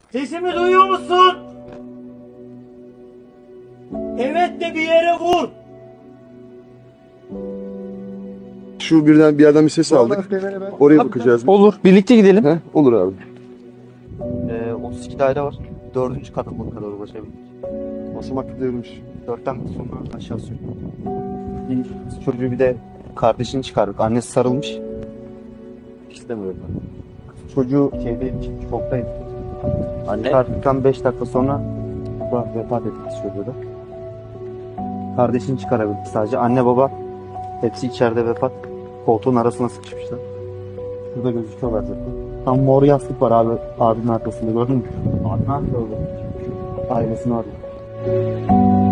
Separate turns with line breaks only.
Sesimi duyuyor musun? Evet de bir yere vur.
Şu bir yerden bir ses aldık. Oraya bakacağız.
Olur. Birlikte gidelim.
He? Olur abi.
32 daire var. 4. kata kadar ulaşabildik.
Basamak devrilmiş.
4'ten sonra aşağı sürdük. Çocuğu bir de kardeşini çıkardık. Annesi sarılmış. İstemiyorum ben. Çocuğu şeydeymiş, şoktaydı. Anne çıkardıktan 5 dakika sonra vefat etti çocuğu da. Kardeşini çıkarabildik sadece. Anne baba hepsi içeride vefat. Koltuğun arasına sıkışmışlar. Şurada gözüküyorlar zaten. Tam mor yastık var abi abinin arkasında, gördün mü? Abi ne yapıyor orada? Ailesini arıyor.